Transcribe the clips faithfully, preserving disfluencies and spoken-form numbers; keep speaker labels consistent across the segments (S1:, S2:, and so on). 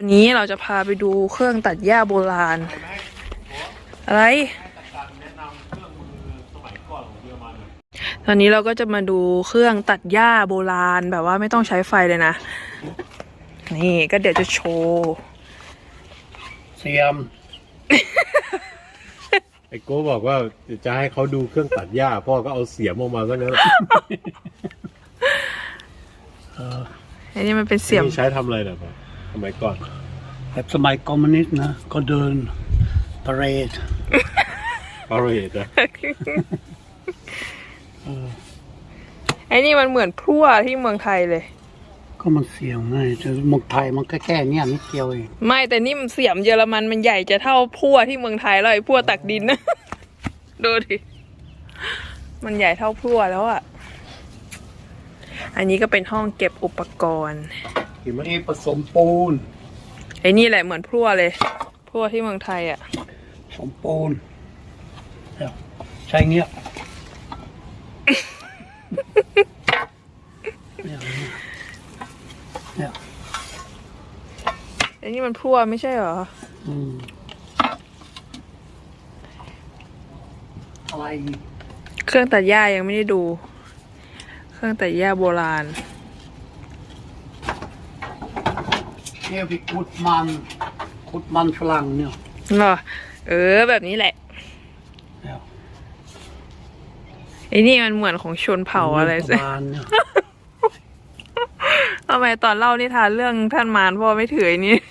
S1: นี้เราจะพาไปดูเครื่องตัดหญ้าโบราณอะไรตอนนี้เราก็จะมาดูเครื่องตัดหญ้าโบราณแบบว่าไม่ต้องใช้ไฟเลยนะนี่ก็เดี๋ยวจะโชว์
S2: เสียม ไอ้โก้บอกว่าจะให้เขาดูเครื่องตัดหญ้าพ่อก็เอาเสียมออกมาซะงั้น
S1: อันนี้มันเป็นเสียม
S2: ใช้ทำอะไรนะพ่อสมัยก่อน
S3: แบบสมัยคอมมิวนิสต์นะก็เดินปาเรด
S2: ปาเรดนะ
S1: ไอ้นี่มันเหมือนพลั่วที่เมืองไทยเลย
S3: ก็มันเสียงไงแต่เมืองไทยมันแค่แค่เนี่ยนิดเดียวเอง
S1: ไม่แต่นี่มันเสียมเยอรมันมันใหญ่จะเท่าพลั่วที่เมืองไทยแล้วไอ้พลั่วตักดินนะดูดิมันใหญ่เท่าพลั่วแล้วอ่ะอันนี้ก็เป็นห้องเก็บอุปกรณ์
S3: นี่ผสมปูน
S1: ไอ้นี่แหละเหมือนพลั่วเลยพลั่วที่เมืองไทยอ่ะ
S3: ผสมปูนใช่เงี้ยเนี่ย
S1: ไอ้นี่มันพลั่วไม่ใช่เหรอ
S3: อืมอะไร
S1: เครื่องตัดหญ้ายังไม่ได้ดูเครื่องตัดหญ้าโบราณ
S3: เนี่ยไปขุดมันขุดมันฝรั่งเนี่ย
S1: เหรอเออแบบนี้แหละไอ้นี่มันเหมือนของชนเผ่าอะไรสิทำไมตอนเล่านิทานเรื่องท่านมารพ่อไม่ถือไอ้นี่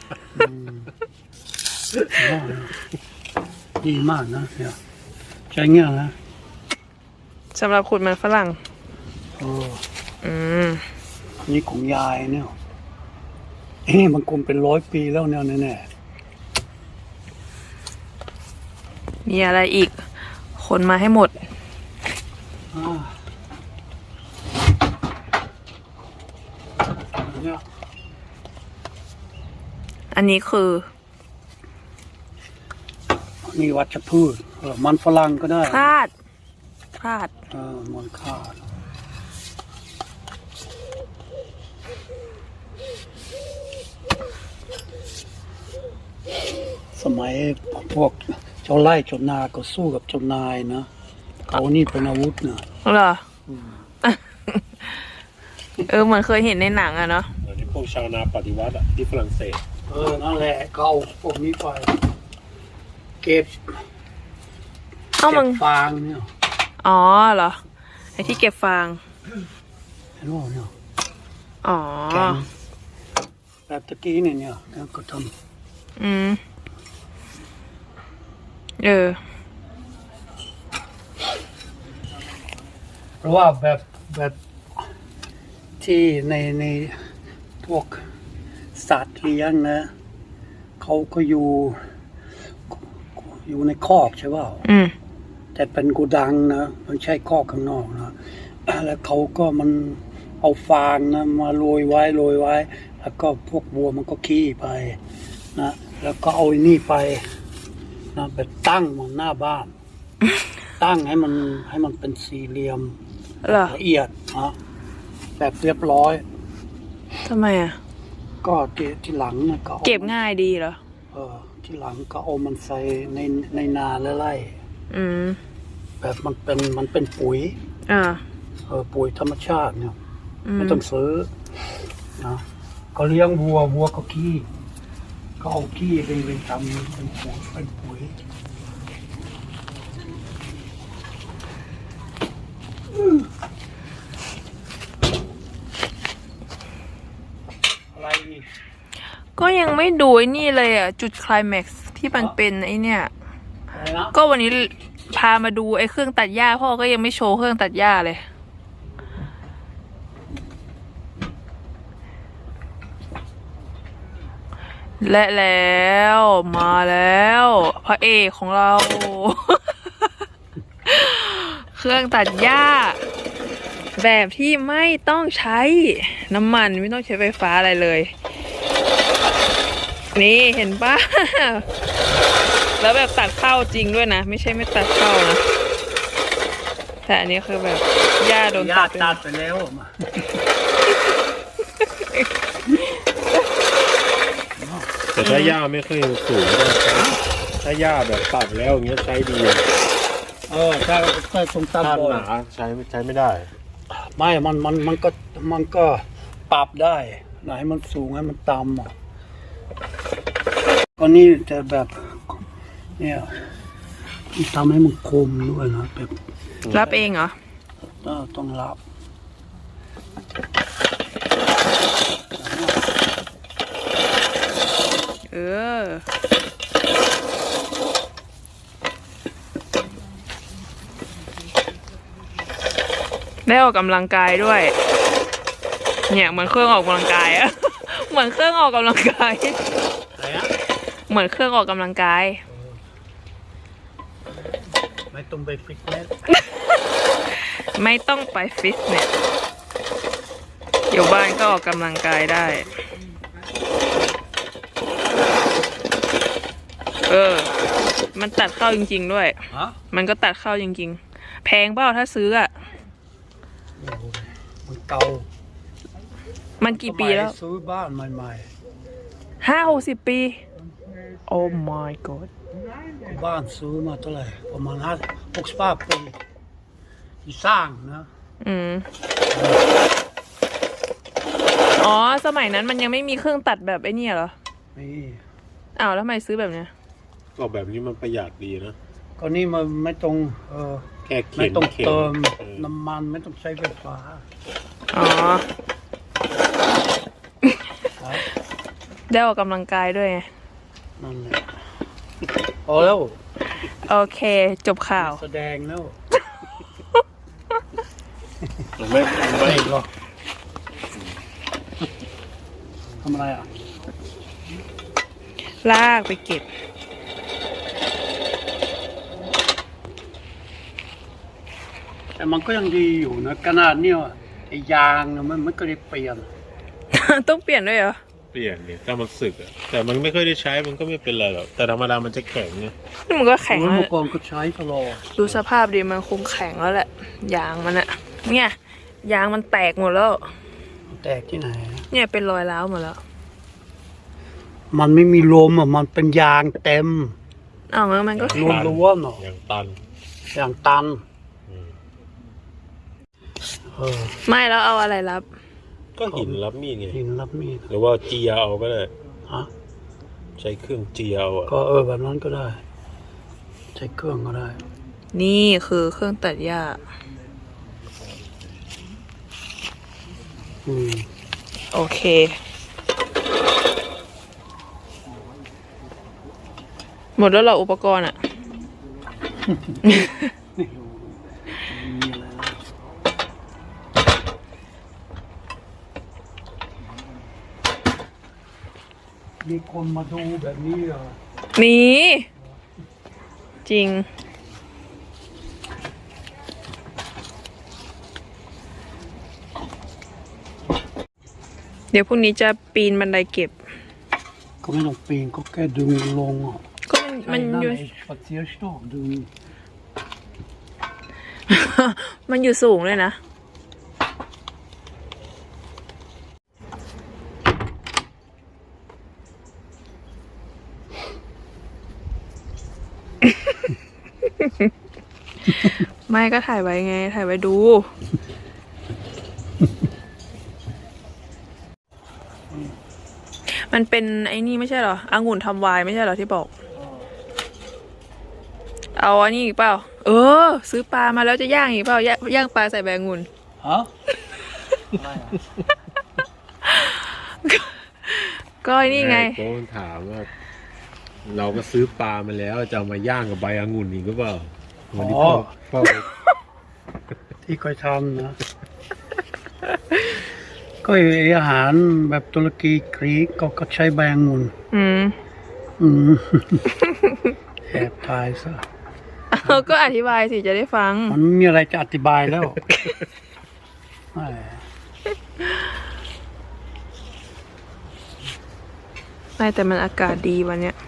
S3: ดีมากนะเนี่ยใช้เงี้ยนะ
S1: สำหรับขุดมันฝรั่ง
S3: โอ้
S1: อืม
S3: นี่ของยายเนี่ยเอ้มันคงเป็นร้อยปีแล้วเนี่ยแน่
S1: ๆมีอะไรอีกคนมาให้หมดอันนี้คือ
S3: นี่วัชพืชมันฝรั่งก็ได้
S1: คาดคาด
S3: เออมันคาดสมัยพวกเจ้าไร่เจ้านาก็สู้กับเจ้านายนะเขานี่เป็นอาวุธนะ
S1: เหรอเออเหมือนเคยเห็นในหนังอะเนาะ
S2: อันนี้พวกชาวนาปฏิวัติอะที่ฝรั่งเศส
S3: เออนั่นแหละเขาเอาพวกนี้ไปเก็บ
S1: เก็
S3: บฟางเนี่ย
S1: อ๋อเหรอไอ้ที่เก็บฟาง
S3: เห็นว่าเนี่ย
S1: อ๋อ
S3: แบบตะกี้เนี่ยเนี่ยก็ท
S1: ำอืมเออ
S3: เพราะว่าแบบแบบที่ในในพวกสัตว์เลี้ยงนะเขาก็อยู่อยู่ในคอกใช่ป่าวแต่เป็นกูดังนะมันใช่คอกข้างนอกนะแล้วเขาก็มันเอาฟางนะมาโรยไว้โรยไว้แล้วก็พวกวัวมันก็ขี้ไปนะแล้วก็เอาไอ้นี่ไปนะไปตั้งมันหน้าบ้านตั้งให้มันให้มันเป็นสี่เหลี่ยมละเอียดนะแบบเรียบร้อย
S1: ทำไมอ่ะ
S3: ก็ที่หลังนะก็
S1: เก็บง่ายดีเหรอ
S3: เออที่หลังก็เอามันใส่ในในนาและไร่
S1: อืม
S3: แบบมันเป็นมันเป็นปุ๋ย
S1: อ่า
S3: เออปุ๋ยธรรมชาติเนี่ยไม่ต้องซื้อนะก็เลี้ยงวัววัวก็ขี้ก็เอาขี้เป็นเป็นทำเป็นปุ๋ยเป็นปุ๋ย
S1: ก็ยังไม่ดูไอ้นี่เลยอ่ะจุดไคลแม็กซ์ที่มันเป็นไอ้เนี่ยก็วันนี้พามาดูไอ้เครื่องตัดหญ้าพ่อก็ยังไม่โชว์เครื่องตัดหญ้าเลยและแล้วมาแล้วพระเอกของเรา เครื่องตัดหญ้าแบบที่ไม่ต้องใช้น้ำมันไม่ต้องใช้ไฟฟ้าอะไรเลยนี่เห็นป่ะแล้วแบบตัดเข้าจริงด้วยนะไม่ใช่ไม่ตัดเข้านะแต่อันนี้คือแบบหญ้าโดนตัด
S3: ตัดไปแล้ว
S2: ถ้าหญ้าไม่ค่อยสูงก็ใช้ถ้าหญ้าแบบตัดแล้วอย่างเงี้ยใช้ดี
S3: เออถ้าถ้าตรงตาม
S2: ถ้า
S3: บ่อ
S2: หนาใช้ใช้ไม่ได้
S3: ไม่ มัน มัน มันก็ มันก็ปรับได้ ไหนมันสูงให้มันต่ำอ่ะก็นี่จะแบบ เนี่ยทำให้มันคมด้วยนะแบบ
S1: รับเองเหรอ
S3: ต้องรับ
S1: เออ ได้ออกกำลังกายด้วย เนี่ยเหมือนเครื่องออกกำลังกายอะ เหมือนเครื่องออกกำลังกาย
S3: อะไรนะ
S1: เหมือนเครื่องออกกำลังกาย
S3: ไม่ต้องไปฟิตเนส
S1: ไม่ต้องไปฟิตเนส อยู่บ้านก็ออกกำลังกายได้ เออ มันตัดเข้าจริงๆด้วย
S3: ฮะ
S1: มันก็ตัดเข้าจริงๆ แพงเปล่าถ้าซื้ออะ
S3: มันเก่า
S1: มันกี่ปีแล้ว
S3: สมัยซื้อบ้านใหม่
S1: ห้าหกสิบปี โอ้ my god
S3: ๆบ้านซื้อมาเท่าไหร่ประมาณห้าหกสิบห้าปีที่สร้างนะ
S1: อืม อ๋อ สมัยนั้นมันยังไม่มีเครื่องตัดแบบไอ้นี่เหรอ
S3: นี่
S1: อ้าวแล้วทำไมซื้อแบบเนี้ย
S2: ก็แบบนี้มันประหยัดดีนะ
S3: ก็นี่มันไม่ต้องเออ
S2: แค่เข็
S3: ไม่
S2: น
S3: ต้อง
S2: เข็น
S3: เติม
S2: เออ
S3: น้ำมันไม่ต้องใช้ไฟฟ้า
S1: อ๋อ
S3: ครับ
S1: ได้ออกกำลังกายด้วยไง
S3: นั่นแหละพอแล้ว
S1: โอเค จบข่าว
S3: แสดงแล้ว
S2: ไม่ไม่
S3: หรอทำอะไรอ่ะ
S1: ลากไปเก็บ
S3: แต่มันก็ยังดีอยู่นะขนาดเนี้ยไอ้ยางเนี่ยมันมันก็ได้เปลี่ยน
S1: ต้องเปลี่ยนด้วยเหรอ
S2: เปลี่ยนเนี่ยถ้ามันสึกอะแต่มันไม่ค่อยได้ใช้มันก็ไม่เป็นไรหรอกแต่ธรรมดามันจะแข็งไง
S1: นี่มันก็แข็ง
S3: เมื่
S1: แล้ว
S3: อก่อนก็ใช้ตลอด
S1: ดูสภาพดีมันคงแข็งแล้วแหละ ยางมันอะเนี่ย ยางมันแตกหมดแล้ว
S3: แตกที่ไหน
S1: เนี่ยเป็นรอยร้าวหมดแล้ว
S3: มันไม่มีลมอ่ะมันเป็นยางเต็ม
S1: อ้าวงั้นมันก็
S3: รวมล้วนๆเนาะ
S2: อย่างตัน
S3: อย่างตัน
S2: อืม
S3: เออ
S1: ไม่แล้วเอาอะไรรับ
S2: ก็หินรับมีดไง
S3: หินรับมีด
S2: หรือว่าเจียเอาก็ได้
S3: ฮะ
S2: ใช้เครื่องเจียเอาอะ
S3: ก็เออแบบนั้นก็ได้ ใช้เครื่องก็ได้
S1: นี่คือเครื่องตัดหญ้า
S3: อืม
S1: โอเค หมดแล้วเหรออุปกรณ์อะ
S3: มีอะไรนะมีคนมาดูแบบนี้เหรอ
S1: มีจริง เดี๋ยวพรุ่งนี้จะปีนบันไดเก็บ
S3: ก็ไม่ต้องปีนก็แค่ดึงลงอ่ะ
S1: ก็มันมันอยู่
S3: ไอ้ปัดเสียชอบดึง
S1: มันอยู่สูงเลยนะ ไม่ก็ถ่ายไว้ไง ถ่ายไว้ดู มันเป็นไอ้นี่ไม่ใช่เหรอองุ่นทำไวน์ไม่ใช่เหรอที่บอก เอาอันนี้อีกเปล่า เออ ซื้อปลามาแล้วจะย่างอีกเปล่าย่างย่างปลาใส่ใบองุ่น
S3: ฮะอะไรอ่ะ
S1: ก็ไอ้นี่ไง
S2: โค้ชถามว่า เราก็ซื้อปลามาแล้วจะเอามาย่างกับใบองุ่นอีกหรือเปล่าวันนี้พ่อพ่อ
S3: ที่เคยทำนะ ก็ไอ้อาหารแบบตุรกีกรีกก็ก็ใช้ใบองุ่น
S1: อืม
S3: อืม แอบทายซะ
S1: เอาก็อธิบายสิจะได้ฟัง
S3: มันไม่มีอะไรจะอธิบายแล้วแหม
S1: ไม่แต่มันอากาศดีวันเนี้ย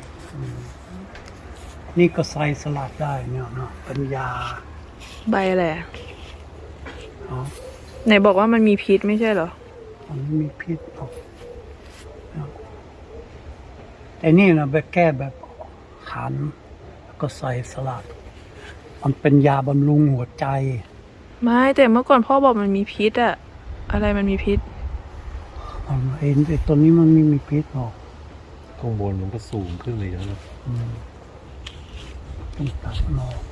S3: นี่ก็ใส่สลัดได้เนี่ยเนาะเป็นยา
S1: ใบอะไรอะ
S3: เนาะ
S1: ไหนบอกว่ามันมีพิษไม่ใช่เหรอ
S3: มันไม่มีพิษหรอกไอ้นี่นะไปแก้แบบขันแล้วก็ใส่สลัด มันเป็นยาบำรุงหัวใจ
S1: ไม่แต่เมื่อก่อนพ่อบอกมันมีพิษอะอะไรมันมีพิษ
S3: มันไอ้ไอ้ตัวนี้มันไม่มีพิษหรอก
S2: ข้างบนมันก็สูงขึ้นเลยนะ
S3: อืมต้องตัดมันออก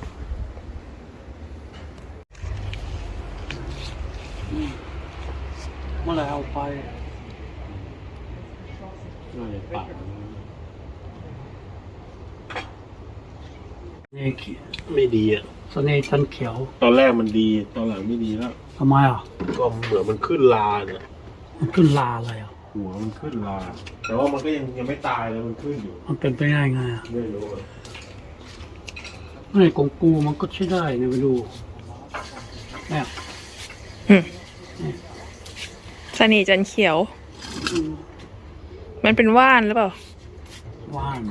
S3: เมื่อไหรเอาไป
S2: น่าจะปัก
S3: นี่เขียว
S2: ไม่ดีอ่ะ
S3: เสน่ห์จันทร์เขียว
S2: ตอนแรกมันดีตอนหลังไม่ดีแล้ว
S3: ทำไมอ่ะ
S2: ก็เหมือนมันขึ้นลาเนี่ย
S3: มันขึ้นลาอะไรอ่ะ
S2: หัวมันขึ้นลา แต่ว่ามันก็ยังยังไม่ตายเลยมันขึ้นอยู่
S3: มันเป็นไปได้ไงอ่ะ
S2: ไม่รู้อะ
S3: นี่ของกูมันก็ใช้ได้เนี่ยไปดูเนี่ย
S1: สนีจันทร์เขียว มันเป็นว่านหรือเปล่า
S3: ว่าน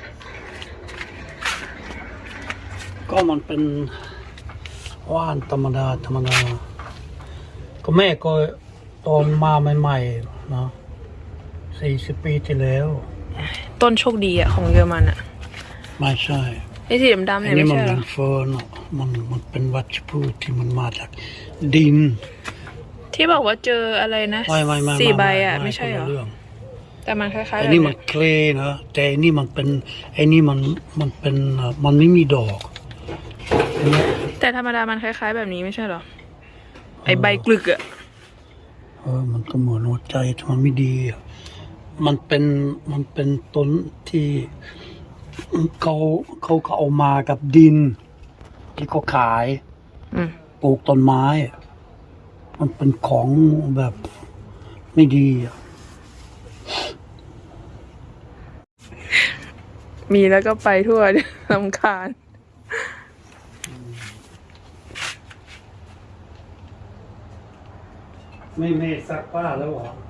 S3: ก็มันเป็นว่านธรรมดาธรรมดา ก็แม่ก็ตอนมาใหม่ๆเนาะสี่สิบปีที่แล้ว
S1: ต้นโชคดีอะของเยอรมันอะ
S3: ไม่ใช่
S1: ไอ้สีดำๆ
S3: อั
S1: เนี่ย
S3: นนี้
S1: ไม่
S3: มัน
S1: ใช่เหร
S3: เป็
S1: อ
S3: นเฟิร์นอะมันมันเป็นวัชพืชที่มันมาจากดิน
S1: ที่บอกว่าเจออะไรนะ
S3: ไม่ไม่ไม่
S1: สี่ใบ
S3: ไม่
S1: อะไม่ใช่เหรอ
S3: คนละเรื่อง
S1: แต่มันคล้ายๆ
S3: ไอ้
S1: แบบ
S3: นี่
S1: เนี้
S3: มัน
S1: ย
S3: เคลย์นะแต่ไอ้นี่มันเป็นไอ้นี่มันมันเป็นเอ่อมันไม่มีดอกเห็นไหม
S1: แต่ธรรมดามันคล้ายๆแบบนี้ไม่ใช่เหรอ ไอใบกลึกอะ
S3: เออมันก็เหมือนหัวใจแต่มันไม่ดีอะมันเป็นมันเป็นต้นที่เขาเขาเขาเอามากับดิน ที่เขาขาย
S1: อืม
S3: ปลูกต้นไม้อะมันเป็นของแบบไม่ดีอะ
S1: มีแล้วก็ไปทั่ว รำคาญ
S3: ไม่ไม่ซักผ้าแล้วเหรอ